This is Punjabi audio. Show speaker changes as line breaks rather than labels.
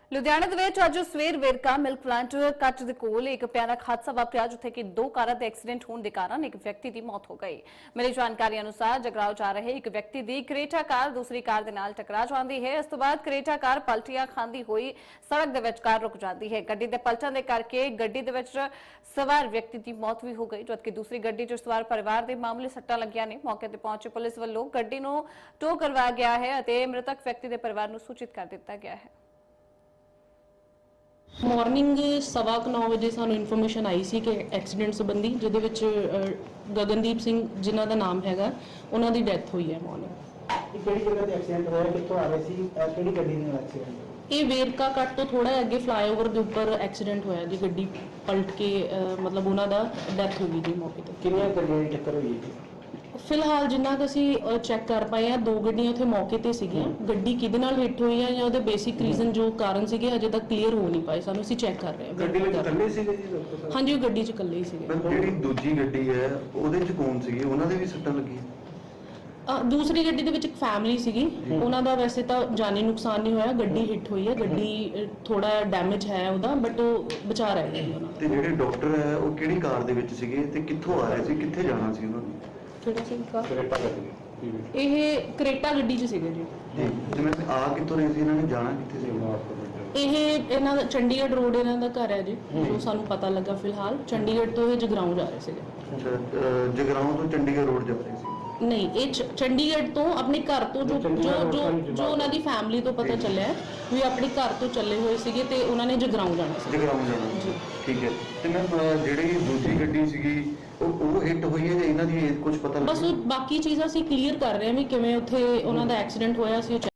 ਲੁਧਿਆਣਾ ਦੇ ਵਿੱਚ ਅੱਜ ਸਵੇਰ ਵੇਰਕਾ ਮਿਲਕ ਪਲਾਂਟ ਕੱਟ ਦੇ ਕੋਲ ਇੱਕ ਭਿਆਨਕ ਹਾਦਸਾ ਵਾਪਰਿਆ ਜਿੱਥੇ ਕਿ ਦੋ ਕਾਰਾਂ ਦੇ ਐਕਸੀਡੈਂਟ ਹੋਣ ਦੇ ਕਾਰਨ ਇੱਕ ਵਿਅਕਤੀ ਦੀ ਮੌਤ ਹੋ ਗਈ। ਮਿਲੀ ਜਾਣਕਾਰੀ ਅਨੁਸਾਰ ਜਗਰਾਓ ਜਾ ਰਹੇ ਇੱਕ ਵਿਅਕਤੀ ਦੀ ਕਰੇਟਾ ਕਾਰ ਦੂਸਰੀ ਕਾਰ ਦੇ ਨਾਲ ਟਕਰਾ ਜਾਂਦੀ ਹੈ। ਇਸ ਤੋਂ ਬਾਅਦ ਕਰੇਟਾ ਕਾਰ ਪਲਟੀਆਂ ਖਾਂਦੀ ਹੋਈ ਸੜਕ ਦੇ ਵਿਚਕਾਰ ਰੁਕ ਜਾਂਦੀ ਹੈ। ਗੱਡੀ ਦੇ ਪਲਟਣ ਦੇ ਕਰਕੇ ਗੱਡੀ ਦੇ ਵਿੱਚ ਸਵਾਰ ਵਿਅਕਤੀ ਦੀ ਮੌਤ ਵੀ ਹੋ ਗਈ ਜਦਕਿ ਦੂਸਰੀ ਗੱਡੀ 'ਚ ਸਵਾਰ ਪਰਿਵਾਰ ਦੇ ਮਾਮੂਲੀ ਸੱਟਾਂ ਲੱਗੀਆਂ ਨੇ। ਮੌਕੇ ਤੇ ਪਹੁੰਚੇ ਪੁਲਿਸ ਵੱਲੋਂ ਗੱਡੀ ਨੂੰ ਟੋ ਕਰਵਾਇਆ ਗਿਆ ਹੈ ਅਤੇ ਮ੍ਰਿਤਕ ਵਿਅਕਤੀ ਦੇ ਪਰਿਵਾਰ ਨੂੰ ਸੂਚਿਤ ਕਰ ਦਿੱਤਾ ਗਿਆ ਹੈ।
ਮਾਰਨਿੰਗ 9:15 ਵਜੇ ਸਾਨੂੰ ਇਨਫੋਰਮੇਸ਼ਨ ਆਈ ਸੀ ਕਿ ਐਕਸੀਡੈਂਟ ਸੰਬੰਧੀ ਜਿਹਦੇ ਵਿੱਚ ਗਗਨਦੀਪ ਸਿੰਘ ਜਿਨ੍ਹਾਂ ਦਾ ਨਾਮ ਹੈਗਾ ਉਹਨਾਂ ਦੀ ਡੈਥ ਹੋਈ ਹੈ ਮਾਰਨਿੰਗ।
ਕਿਹੜੀ ਜਗ੍ਹਾ ਤੇ ਐਕਸੀਡੈਂਟ ਹੋਇਆ, ਕਿੱਥੋਂ ਆ ਰਹੇ ਸੀ, ਕਿਹੜੀ ਗੱਡੀ ਨਾਲ ਐਕਸੀਡੈਂਟ?
ਇਹ ਵੇਰਕਾ ਕੱਟ ਤੋਂ ਥੋੜਾ ਅੱਗੇ ਫਲਾਈਓਵਰ ਦੇ ਉੱਪਰ ਐਕਸੀਡੈਂਟ ਹੋਇਆ ਜੀ। ਗੱਡੀ ਪਲਟ ਕੇ ਮਤਲਬ ਉਹਨਾਂ ਦਾ ਡੈਥ ਹੋ ਗਈ ਜੀ ਮੌਕੇ ਤੇ।
ਕਿੰਨੀਆਂ ਗੱਡੀਆਂ ਦੀ ਟੱਕਰ ਹੋਈ ਹੈ?
ਫਿਲਹਾਲ ਜਿੰਨਾ ਕਿ ਅਸੀਂ ਚੈੱਕ ਕਰ ਪਾਏ ਆ, ਦੋ ਗੱਡੀਆਂ ਉੱਥੇ ਮੌਕੇ ਤੇ ਸੀਗੀਆਂ। ਗੱਡੀ ਕਿਹਦੇ ਨਾਲ ਹਿੱਟ ਹੋਈ ਹੈ ਜਾਂ ਉਹਦੇ ਬੇਸਿਕ ਰੀਜ਼ਨ ਜੋ ਕਾਰਨ ਸੀਗੇ ਹਜੇ ਤੱਕ ਕਲੀਅਰ ਹੋ ਨਹੀਂ ਪਾਏ। ਸਾਨੂੰ ਅਸੀਂ ਚੈੱਕ ਕਰ ਰਹੇ ਹਾਂ।
ਗੱਡੀ ਵਿੱਚ ਇਕੱਲੇ ਸੀਗੇ ਜੀ ਡਾਕਟਰ ਸਾਹਿਬ?
ਹਾਂਜੀ, ਉਹ ਗੱਡੀ 'ਚ ਇਕੱਲੇ ਹੀ ਸੀਗੇ।
ਜਿਹੜੀ ਦੂਜੀ ਗੱਡੀ ਹੈ ਉਹਦੇ 'ਚ ਕੌਣ ਸੀਗੇ? ਉਹਨਾਂ ਦੇ ਵੀ ਸੱਟਾਂ ਲੱਗੀਆਂ?
ਦੂਸਰੀ ਗੱਡੀ ਦੇ ਵਿੱਚ ਇੱਕ ਫੈਮਿਲੀ ਸੀਗੀ, ਉਹਨਾਂ ਦਾ ਵੈਸੇ ਤਾਂ ਜਾਨੀ ਨੁਕਸਾਨ ਨਹੀਂ ਹੋਇਆ। ਗੱਡੀ ਹਿੱਟ ਹੋਈ ਹੈ, ਗੱਡੀ ਥੋੜਾ ਡੈਮੇਜ ਹੈ ਉਹਦਾ, ਬਟ ਉਹ ਬਚਾ ਰਹੇ ਨੇ ਉਹਨਾਂ
ਤੇ ਜਿਹੜੇ ਡਾਕਟਰ ਹੈ ਉਹ ਕਿਹੜੀ ਕਾਰ ਦੇ ਵਿੱਚ ਸੀਗੇ ਤੇ ਕਿੱਥੋਂ ਆ ਰਹੇ ਸੀ, ਕਿੱਥੇ ਜਾਣਾ ਸੀ ਉਹਨਾਂ ਨੂੰ?
ਕਿਹੜਾ ਸੀ ਕਾਰ? ਇਹ ਕਰੇਟਾ ਗੱਡੀ 'ਚ ਸੀਗੇ ਜੀ।
ਜਿਵੇਂ ਆ ਕਿੱਥੋਂ ਰਹੇ ਸੀ, ਇਹਨਾਂ ਨੇ ਜਾਣਾ ਕਿੱਥੇ ਸੀ?
ਇਹ ਇਹਨਾਂ ਦਾ ਚੰਡੀਗੜ੍ਹ ਰੋਡ ਇਹਨਾਂ ਦਾ ਘਰ ਹੈ ਜੀ, ਜੋ ਸਾਨੂੰ ਪਤਾ ਲੱਗਾ ਫਿਲਹਾਲ। ਚੰਡੀਗੜ੍ਹ ਤੋਂ ਇਹ ਜਗਰਾਉਂ ਜਾ ਰਹੇ ਸੀਗੇ।
ਅੱਛਾ, ਜਗਰਾਉਂ ਤੋਂ ਚੰਡੀਗੜ੍ਹ ਰੋਡ ਜਾ ਰਹੇ ਸੀ?
ਨਹੀਂ, ਇਹ ਚੰਡੀਗੜ੍ਹ ਤੋਂ ਆਪਣੇ ਘਰ ਤੋਂ ਜੋ ਉਹਨਾਂ ਦੀ ਫੈਮਿਲੀ ਤੋਂ ਪਤਾ ਚੱਲਿਆ ਵੀ ਆਪਣੇ ਘਰ ਤੋਂ ਚੱਲੇ ਹੋਏ ਸੀਗੇ ਤੇ ਉਹਨਾਂ ਨੇ ਜਗਰਾਉਂ ਜਾਣਾ ਸੀ।
ਜਗਰਾਉਂ ਜਾਣਾ ਸੀ, ਠੀਕ ਹੈ। ਤੇ ਮੈਂ ਜਿਹੜੀ ਦੂਜੀ ਗੱਡੀ ਸੀਗੀ ਉਹ ਹਿੱਟ ਹੋਈ ਹੈ ਜਾਂ ਇਹਨਾਂ ਦੀ ਕੁਝ ਪਤਾ
ਬਸ ਉਹ ਬਾਕੀ ਚੀਜ਼ਾਂ ਅਸੀਂ ਕਲੀਅਰ ਕਰ ਰਹੇ ਹਾਂ ਵੀ ਕਿਵੇਂ ਉੱਥੇ ਉਹਨਾਂ ਦਾ ਐਕਸੀਡੈਂਟ ਹੋਇਆ ਸੀ।